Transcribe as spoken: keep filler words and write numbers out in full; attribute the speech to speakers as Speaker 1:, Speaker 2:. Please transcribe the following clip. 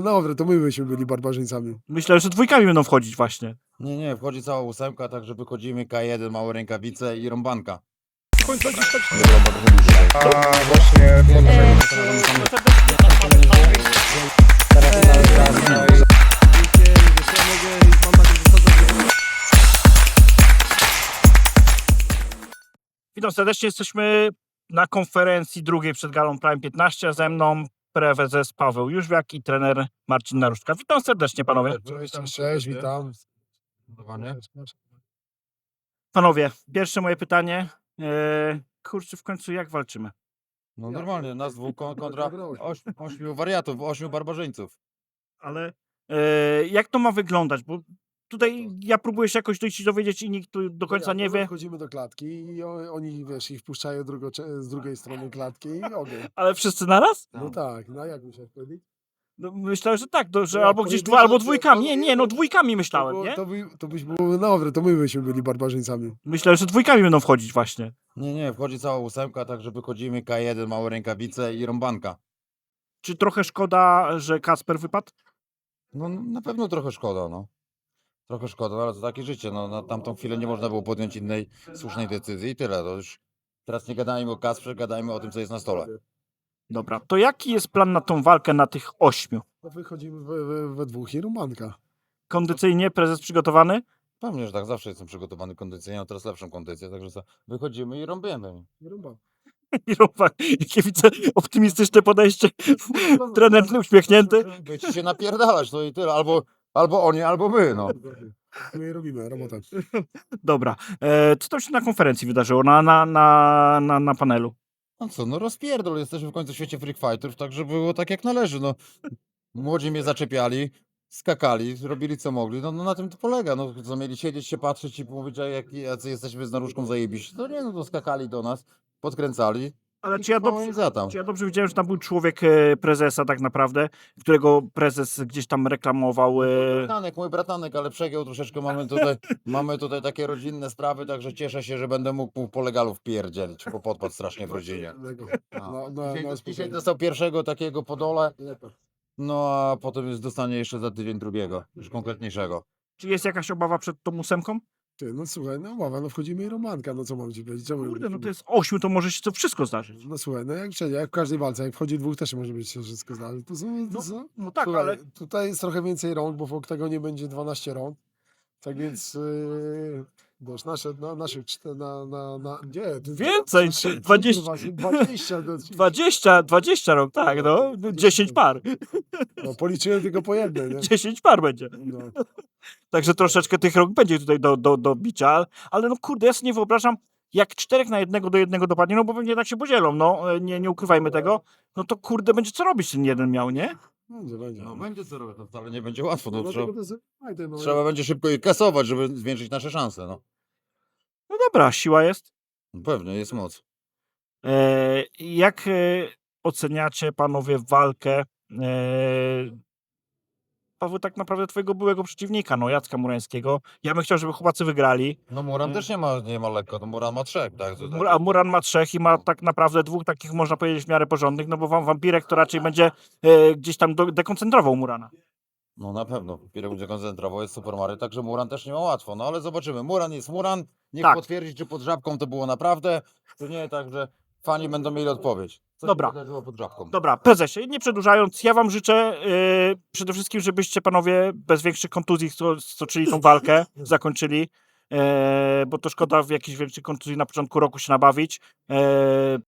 Speaker 1: było na odwrót, to my byśmy byli barbarzyńcami.
Speaker 2: Myślę, że dwójkami będą wchodzić właśnie.
Speaker 3: Nie, nie, wchodzi cała ósemka, także wychodzimy K jeden, małe rękawice i rąbanka.
Speaker 4: A właśnie
Speaker 2: Witam serdecznie, jesteśmy na konferencji drugiej przed Galą Prime piętnaście, a ze mną prezes Paweł Jóźwiak i trener Marcin Naruszka. Witam serdecznie panowie.
Speaker 1: Cześć, cześć, witam.
Speaker 2: Panowie, pierwsze moje pytanie. Eee, kurczę, w końcu jak walczymy?
Speaker 3: No normalnie, nas dwóch kon- kontra oś, ośmiu wariatów, ośmiu barbarzyńców.
Speaker 2: Ale eee, jak to ma wyglądać? Bo tutaj ja próbuję się jakoś dojść i dowiedzieć i nikt tu do końca nie wie.
Speaker 1: Wchodzimy do klatki i o- oni, wiesz, ich wpuszczają drugo, z drugiej strony klatki i ogień.
Speaker 2: Ale wszyscy naraz?
Speaker 1: No tak, no jak myślałeś wtedy?
Speaker 2: No, myślałem, że tak, to, że
Speaker 1: No,
Speaker 2: albo gdzieś
Speaker 1: pojedynczo
Speaker 2: dwa, albo
Speaker 1: to-
Speaker 2: dwójkami.
Speaker 1: to-
Speaker 2: Nie, nie, no dwójkami
Speaker 1: To,
Speaker 2: myślałem,
Speaker 1: było,
Speaker 2: nie?
Speaker 1: to, by, to byś było na odwrót, to my byśmy byli barbarzyńcami.
Speaker 2: Myślałem, że dwójkami będą wchodzić właśnie.
Speaker 3: Nie, nie, wchodzi cała ósemka, także wychodzimy K jeden, małe rękawice i rąbanka.
Speaker 2: Czy trochę szkoda, że Kasper wypadł?
Speaker 3: No na pewno trochę szkoda, no. Trochę szkoda, no, ale to takie życie, no na tamtą chwilę nie można było podjąć innej słusznej decyzji i tyle, to już teraz nie gadajmy o Kasprze, gadajmy o tym, co jest na stole.
Speaker 2: Dobra, to jaki jest plan na tą walkę na tych ośmiu?
Speaker 1: No wychodzimy we, we, we dwóch i rumanka.
Speaker 2: Kondycyjnie prezes przygotowany?
Speaker 3: Pewnie, że tak, zawsze jestem przygotowany kondycyjnie, mam teraz lepszą kondycję, także co, wychodzimy i rąbiemy.
Speaker 1: I rumba.
Speaker 2: I Robak, jakie widzę optymistyczne podejście. Trener uśmiechnięty.
Speaker 3: Będziecie się napierdalać, to i tyle, albo, albo oni, albo my, no.
Speaker 1: My robimy robotę.
Speaker 2: Dobra, e, co tam się na konferencji wydarzyło, na, na, na, na, na panelu?
Speaker 3: No co, no rozpierdol, jesteśmy w końcu w świecie freak fighterów, także było tak jak należy, no. Młodzi mnie zaczepiali, skakali, robili co mogli, no, no na tym to polega, no co mieli siedzieć się, patrzeć i mówić, a jak, jacy jesteśmy z Naruszką zajebiści, to nie, no to skakali do nas, podkręcali.
Speaker 2: Ale
Speaker 3: i
Speaker 2: czy ja,
Speaker 3: mało
Speaker 2: dobrze,
Speaker 3: im za tam.
Speaker 2: czy ja dobrze widziałem, że tam był człowiek e, prezesa tak naprawdę, którego prezes gdzieś tam reklamował. E,
Speaker 3: Bratanek, mój bratanek, ale przegiął troszeczkę, mamy tutaj, mamy tutaj takie rodzinne sprawy, także cieszę się, że będę mógł po legalu wpierdzielić, bo podpadł strasznie w rodzinie.
Speaker 1: No, no, no,
Speaker 3: Dzisiaj,
Speaker 1: no,
Speaker 3: dzisiaj
Speaker 1: spokojnie.
Speaker 3: dostał pierwszego takiego po dole, no a potem już dostanie jeszcze za tydzień drugiego, już konkretniejszego.
Speaker 2: czy jest jakaś obawa przed tą ósemką?
Speaker 1: Ty, no słuchaj, no mowa, no wchodzimy i romanka, no co mam ci powiedzieć? Czemu
Speaker 2: Kurde, no to jest ośmiu, to może się to wszystko zdarzyć.
Speaker 1: No słuchaj, no jak wszędzie, jak w każdej walce, jak wchodzi dwóch, też się może być się wszystko zdarzyć. To są, to
Speaker 2: No,
Speaker 1: są,
Speaker 2: no tak,
Speaker 1: słuchaj,
Speaker 2: ale
Speaker 1: tutaj jest trochę więcej rąk, bo w oktagonie będzie dwanaście rąk. Tak więc, yy, wiesz, nasze, na, naszych czter, na, na, na, nie, to-
Speaker 2: Więcej,
Speaker 1: to-
Speaker 2: dwadzieścia.
Speaker 1: kurwa, dwadzieścia, no,
Speaker 2: dwadzieścia, dwadzieścia rok, tak, no. dziesięć par.
Speaker 1: no, policzyłem tylko po jednej, nie?
Speaker 2: dziesięć par będzie.
Speaker 1: No.
Speaker 2: Także troszeczkę tych rok będzie tutaj do, do, do bicia, ale no kurde, ja sobie nie wyobrażam, jak czterech na jednego do jednego dopadnie, no bo pewnie tak się podzielą, no, nie, nie ukrywajmy tego, no to kurde, będzie co robić ten jeden miał, nie?
Speaker 1: Będzie, będzie.
Speaker 3: No będzie co robić, to wcale nie będzie łatwo, no,
Speaker 1: No,
Speaker 3: trzeba,
Speaker 1: tylko to jest, fajne, no,
Speaker 3: trzeba będzie szybko je kasować, żeby zwiększyć nasze szanse, no.
Speaker 2: No dobra, siła jest.
Speaker 3: Pewnie, jest moc.
Speaker 2: E, jak e, oceniacie panowie walkę e, Paweł, tak naprawdę twojego byłego przeciwnika, no Jacka Murańskiego? Ja bym chciał, żeby chłopacy wygrali.
Speaker 3: No Muran też nie ma, nie ma lekko, no Muran ma trzech, tak? To,
Speaker 2: Mur- A Muran ma trzech i ma tak naprawdę dwóch takich, można powiedzieć, w miarę porządnych, no bo wam wampirek to raczej będzie e, gdzieś tam do, dekoncentrował Murana.
Speaker 3: No na pewno, Pirek będzie koncentrował, jest Super Mario, także Muran też nie ma łatwo, no ale zobaczymy. Muran jest Muran, niech
Speaker 2: Tak.
Speaker 3: potwierdzi, czy pod żabką to było naprawdę, czy nie, także fani będą mieli odpowiedź. Co
Speaker 2: Dobra.
Speaker 3: się wydarzyło pod żabką?
Speaker 2: Dobra, prezesie, nie przedłużając, ja wam życzę e, przede wszystkim, żebyście panowie bez większych kontuzji sto- stoczyli tą walkę, zakończyli, e, bo to szkoda w jakiejś większej kontuzji na początku roku się nabawić. E,